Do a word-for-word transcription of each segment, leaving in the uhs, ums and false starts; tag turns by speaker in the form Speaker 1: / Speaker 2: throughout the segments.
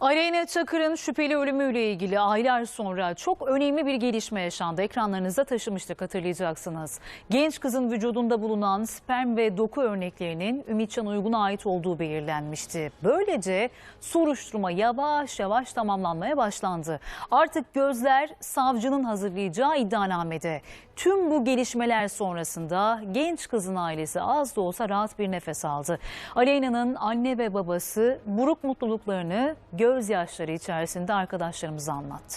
Speaker 1: Aleyna Çakır'ın şüpheli ölümüyle ilgili aylar sonra çok önemli bir gelişme yaşandı. Ekranlarınıza taşımıştık, hatırlayacaksınız. Genç kızın vücudunda bulunan sperm ve doku örneklerinin Ümitcan Uygun'a ait olduğu belirlenmişti. Böylece soruşturma yavaş yavaş tamamlanmaya başlandı. Artık gözler savcının hazırlayacağı iddianamede. Tüm bu gelişmeler sonrasında genç kızın ailesi az da olsa rahat bir nefes aldı. Aleyna'nın anne ve babası buruk mutluluklarını gözyaşları içerisinde arkadaşlarımıza anlattı.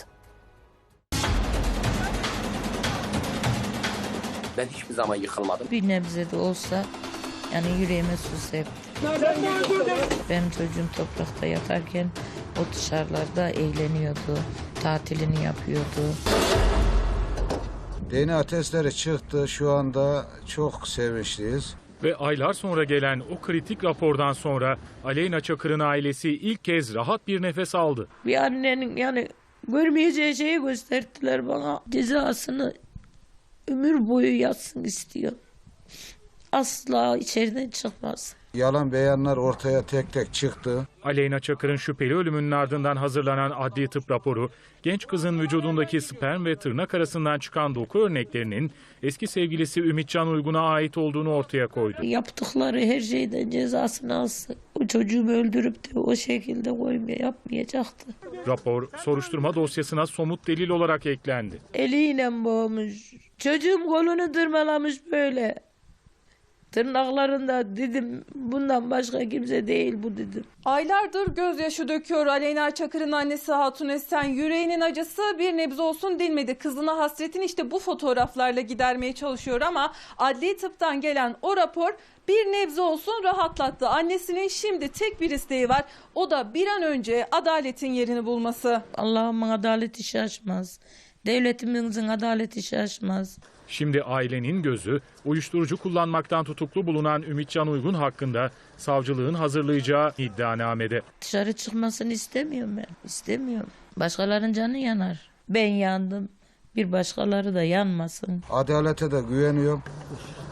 Speaker 2: Ben hiçbir zaman yıkılmadım.
Speaker 3: Bir nebze de olsa yani yüreğime su septi. Benim çocuğum toprakta yatarken o dışarılarda eğleniyordu, tatilini yapıyordu.
Speaker 4: D N A testleri çıktı. Şu anda çok sevinçliyiz.
Speaker 5: Ve aylar sonra gelen o kritik rapordan sonra Aleyna Çakır'ın ailesi ilk kez rahat bir nefes aldı.
Speaker 3: Bir annenin yani görmeyeceği şeyi gösterdiler bana. Cezasını ömür boyu yatsın istiyor. Asla içeriden çıkmaz.
Speaker 4: Yalan beyanlar ortaya tek tek çıktı.
Speaker 5: Aleyna Çakır'ın şüpheli ölümünün ardından hazırlanan adli tıp raporu, genç kızın vücudundaki sperm ve tırnak arasından çıkan doku örneklerinin eski sevgilisi Ümitcan Uygun'a ait olduğunu ortaya koydu.
Speaker 3: Yaptıkları her şeyden cezasını alsın. O çocuğumu öldürüp de o şekilde koymaya yapmayacaktı.
Speaker 5: Rapor, soruşturma dosyasına somut delil olarak eklendi.
Speaker 3: Eliyle boğmuş. Çocuğum kolunu tırmalamış böyle. Tırnaklarında dedim bundan başka kimse değil bu dedim.
Speaker 6: Aylardır gözyaşı döküyor Aleyna Çakır'ın annesi Hatun Esen. Yüreğinin acısı bir nebze olsun dinmedi. Kızına hasretini işte bu fotoğraflarla gidermeye çalışıyor ama adli tıptan gelen o rapor bir nebze olsun rahatlattı. Annesinin şimdi tek bir isteği var. O da bir an önce adaletin yerini bulması.
Speaker 3: Allah'ımın adaleti şaşmaz. Devletimizin adaleti şaşmaz.
Speaker 5: Şimdi ailenin gözü uyuşturucu kullanmaktan tutuklu bulunan Ümitcan Uygun hakkında savcılığın hazırlayacağı iddianamede.
Speaker 3: Dışarı çıkmasını istemiyorum ben. İstemiyorum. Başkalarının canı yanar. Ben yandım. Bir başkaları da yanmasın.
Speaker 4: Adalete de güveniyorum.